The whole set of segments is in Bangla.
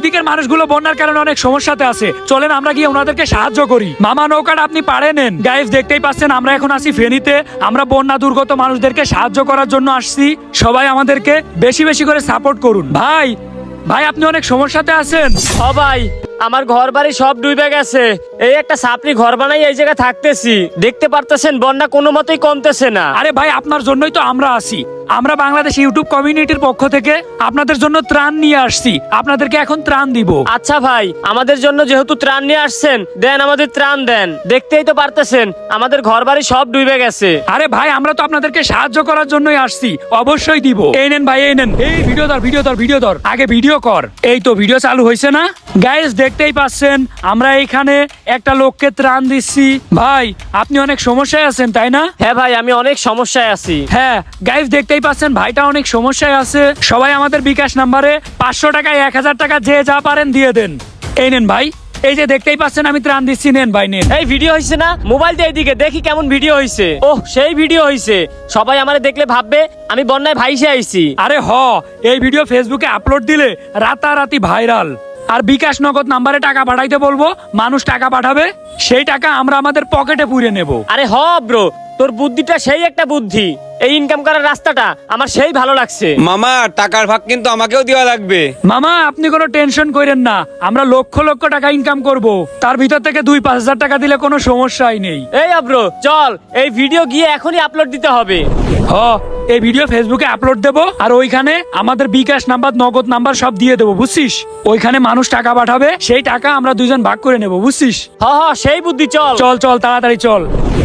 ওইদিকের মানুষগুলো বন্যার কারণে অনেক সমস্যাতে আছে, চলেন আমরা গিয়ে ওনাদেরকে সাহায্য করি। মামা নৌকাটা আপনি পাড়ে নেন। গাইস দেখতেই পাচ্ছেন আমরা এখন আছি ফেনীতে। আমরা বন্যা দুর্গত মানুষদেরকে সাহায্য করার জন্য আসছি। সবাই আমাদেরকে বেশি বেশি করে সাপোর্ট করুন। ভাই ভাই আপনি অনেক সমস্যাতে আছেন। ও ভাই, আমার ঘর বাড়ি সব ডুবে গেছে। এই একটা সাপড়ি ঘর বানাই এই জায়গায় থাকতেছি। দেখতে পারতেছেন বন্যা কোনো মতেই কমতেছে না। আরে ভাই আপনার জন্যই তো আমরা আছি। আমরা বাংলাদেশ ইউটিউব কমিউনিটির পক্ষ থেকে আপনাদের জন্য ত্রাণ নিয়ে আসছি। আপনাদেরকে এখন ত্রাণ দিব। আচ্ছা ভাই, আমাদের জন্য যেহেতু ত্রাণ নিয়ে আসছেন, দেন আমাদের ত্রাণ দেন। দেখতেই তো পারতেছেন আমাদের ঘর বাড়ি সব ডুবে গেছে। আরে ভাই আমরা তো আপনাদেরকে সাহায্য করার জন্যই আসছি, অবশ্যই দিব। এই নেন ভাই, এই নেন। এই ভিডিও ধর আগে ভিডিও কর। এই তো ভিডিও চালু হয়েছে না? গাইস দেখতেই পাচ্ছেন আমরা এইখানে একটা লোককে ত্রাণ দিচ্ছি। ভাই আপনি অনেক সমস্যায় আছেন তাই না? হ্যাঁ ভাই, আমি অনেক সমস্যায় আছি। হ্যাঁ গাইস দেখতেই পাচ্ছেন ভাইটা অনেক সমস্যায় আছে। সবাই আমাদের বিকাশ নাম্বারে 500 টাকায় 1000 টাকা যে যা পারেন দিয়ে দেন। এই নেন ভাই, এই যে দেখতেই পাচ্ছেন আমি ত্রাণ দিচ্ছি, নেন ভাই নেন। এই ভিডিও হইছে না? মোবাইল দিয়ে এইদিকে দেখি কেমন ভিডিও হইছে। ওহ, সেই ভিডিও হইছে। সবাই আমারে দেখলে ভাববে আমি বন্যায় ভাইসে আইছি। আরে এই ভিডিও ফেসবুকে আপলোড দিলে রাতারাতি ভাইরাল। আর বিকাশ নগদ নাম্বারে টাকা পাঠাইতে বলবো, মানুষ টাকা পাঠাবে, সেই টাকা আমরা আমাদের পকেটে পুরে নেব। আরে ব্রো, তোর বুদ্ধিটা সেই একটা বুদ্ধি। এই ইনকাম করার রাস্তাটা আমার সেই ভালো লাগছে। মামা টাকার ভাগ কিন্তু আমাকেও দেওয়া লাগবে। মামা আপনি কোনো টেনশন করেন না, আমরা লক্ষ লক্ষ টাকা ইনকাম করব। তার ভিতর থেকে 2-5 হাজার টাকা দিলে কোনো সমস্যাই নেই। এই ব্রো চল, এই ভিডিও গিয়ে এখনই আপলোড দিতে হবে। এই ভিডিও ফেসবুকে আপলোড দেব, আর ওইখানে আমাদের বিকাশ নাম্বার নগদ নাম্বার সব দিয়ে দেবো, বুঝছিস? ওইখানে মানুষ টাকা পাঠাবে, সেই টাকা আমরা দুজন ভাগ করে নেব, বুঝছিস? সেই বুদ্ধি। চল চল চল তাড়াতাড়ি চল।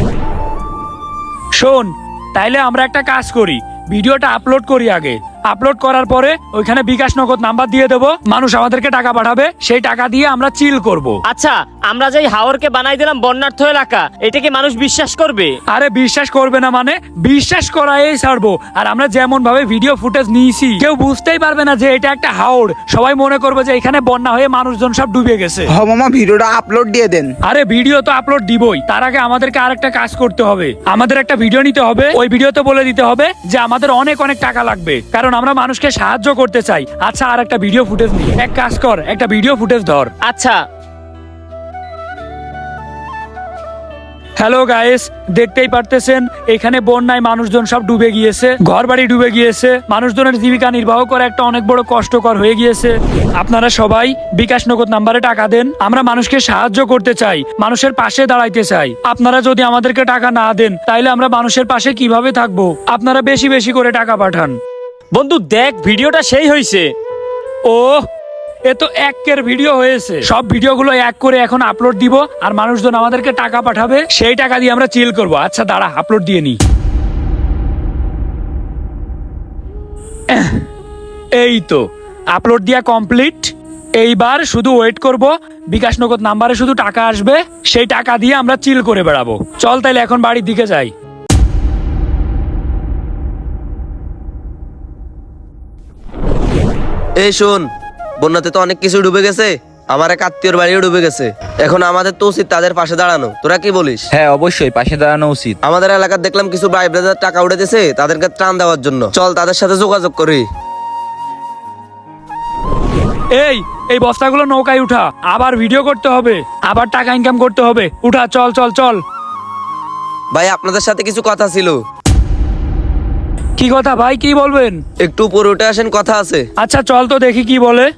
শোন, তাইলে আমরা একটা কাজ করি, ভিডিওটা আপলোড করি আগে। আপলোড করার পরে ওইখানে বিকাশ নগদ নাম্বার দিয়ে দেবো, মানুষ আমাদেরকে টাকা পাঠাবে, সেই টাকা দিয়ে আমরা চিল করব। আচ্ছা, আমরা যেই হাওরকে বানাই দিলাম বন্যার্থ এলাকা, এটাকে মানুষ বিশ্বাস করবে? আরে বিশ্বাস করবে না মানে? বিশ্বাস করাই ছাড়বো। আর আমরা যেমন ভাবে ভিডিও ফুটেজ নিয়েছি, কেউ বুঝতেই পারবে না যে এটা একটা হাওর। সবাই মনে করবে যে এখানে বন্যা হয়ে মানুষজন সব ডুবে গেছে। মামা ভিডিওটা আপলোড দিয়ে দেন। আরে ভিডিও তো আপলোড দিবই, তার আগে আমাদেরকে আরেকটা কাজ করতে হবে। আমাদের একটা ভিডিও নিতে হবে, ওই ভিডিওতে বলে দিতে হবে যে আমাদের অনেক অনেক টাকা লাগবে, কারণ আমরা মানুষকে সাহায্য করতে চাই। আচ্ছা, আর একটা ভিডিও ফুটেজ নি, এক কাজ কর, একটা ভিডিও ফুটেজ ধর। আচ্ছা। হ্যালো গাইস, দেখতেই পারতেছেন এখানে বন্যায় মানুষজন সব ডুবে গিয়েছে, ঘর বাড়ি ডুবে গিয়েছে, মানুষজনের জীবিকা নির্বাহ করা একটা অনেক বড় কষ্টকর হয়ে গিয়েছে। আপনারা সবাই বিকাশ নগদ নাম্বারে টাকা দেন। আমরা মানুষকে সাহায্য করতে চাই, মানুষের পাশে দাঁড়াইতে চাই। আপনারা যদি আমাদেরকে টাকা না দেন, তাইলে আমরা মানুষের পাশে কিভাবে থাকবো? আপনারা বেশি বেশি করে টাকা পাঠান। বন্ধু দেখ, ভিডিওটা সেই হইছে। এ তো একের ভিডিও হয়েছে। সব ভিডিওগুলো এক করে এখন আপলোড দিব, আর মানুষজন আমাদেরকে টাকা পাঠাবে, সেই টাকা দিয়ে আমরা চিল করব। আচ্ছা দাঁড়া, আপলোড দিয়ে নি। এই তো আপলোড দিয়া কমপ্লিট। এইবার শুধু ওয়েট করব, বিকাশ নগদ নাম্বারে শুধু টাকা আসবে, সেই টাকা দিয়ে আমরা চিল করে বেড়াবো। চল তাইলে এখন বাড়ির দিকে যাই। এই শোন, বন্যাতে তো অনেক কিছু ডুবে গেছে, আমার এক আত্মীয়র বাড়িও ডুবে গেছে। এখন আমাদের তো উচিত তাদের পাশে দাঁড়ানো। তোরা কি বলিস? হ্যাঁ অবশ্যই পাশে দাঁড়ানো উচিত। আমাদের এলাকার দেখলাম কিছু ভাই ব্রাদার টাকা উঠেছে, তাদেরকে ত্রাণ দেওয়ার জন্য। চল তাদের সাথে যোগাযোগ করি। এই বস্তাগুলো নৌকায় উঠা, আবার ভিডিও করতে হবে, আবার টাকা ইনকাম করতে হবে। উঠা, চল চল চল। ভাই আপনাদের সাথে কিছু কথা ছিল। কি কথা ভাই, কি বলবেন? একটু উপরে উঠে আসেন, কথা আছে। আচ্ছা চল তো দেখি কি বলে।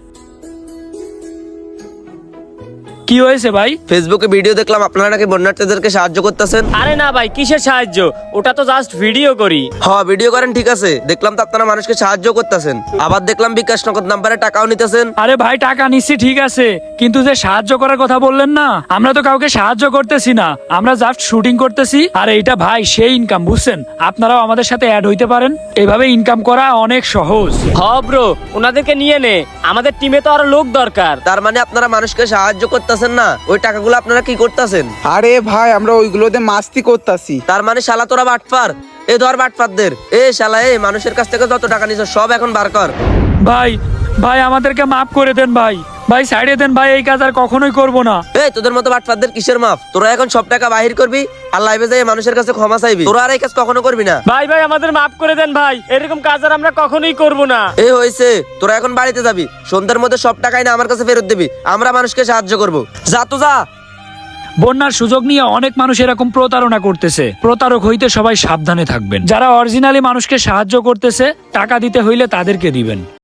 কি হয়েছে ভাই? ফেসবুকে ভিডিও দেখলাম আপনারা নাকি বন্যার্থীদেরকে সাহায্য করতেছেন। আরে না ভাই, কিসের সাহায্য? ওটা তো জাস্ট ভিডিও করি। হ্যাঁ ভিডিও করেন, ঠিক আছে, দেখলাম তো আপনারা মানুষকে সাহায্য করতেছেন। আবার দেখলাম বিকাশ নগদ নাম্বারে টাকাও নিতেছেন। আরে ভাই টাকা নিচ্ছি ঠিক আছে, কিন্তু যে সাহায্য করার কথা বললেন না, আমরা তো কাউকে সাহায্য করতেছি না, আমরা জাস্ট শুটিং করতেছি। আর এইটা ভাই সেই ইনকাম, বুঝছেন? আপনারাও আমাদের সাথে অ্যাড হইতে পারেন, এইভাবে ইনকাম করা অনেক সহজ। ব্রো, ওনাদেরকে নিয়ে নে, আমাদের টিমে তো আরো লোক দরকার। তার মানে আপনারা মানুষকে সাহায্য করতেছেন না, ওই টাকাগুলো আপনারা কি করতেছেন? আরে ভাই আমরা ওইগুলোতে মাস্তি করতাছি। তার মানে শালা তোরা বাটপার। এ ধর বাটপারদের। এ শালা, এই মানুষের কাছ থেকে যত টাকা নিছ সব এখন বার কর। ভাই ভাই আমাদেরকে মাফ করে দেন ভাই, ভাই সাইডে দেন ভাই, এই কাজ আর কখনোই করবো না। এই তোদের মতো বাটপারদের কিসের মাফ? তোরা এখন সব টাকা বাহির করবি আর লাইভে যাই মানুষের কাছে ক্ষমা চাইবি। তোরা আর এই কাজ কখনো করবি না। ভাই ভাই আমাদের মাফ করে দেন ভাই, এরকম কাজ আর আমরা কখনোই করব না। এই হয়েছে, তোরা এখন বাড়িতে যাবি, সন্ধ্যার মধ্যে সব টাকাই না আমার কাছে ফেরত দিবি। আমরা মানুষকে সাহায্য করব। যা তো যা। বন্যার সুযোগ নিয়ে অনেক মানুষ এরকম প্রতারণা করতেছে। প্রতারক হইতে সবাই সাবধানে থাকবেন। যারা অরিজিনালি মানুষকে সাহায্য করতেছে, টাকা দিতে হইলে তাদেরকে দিবেন।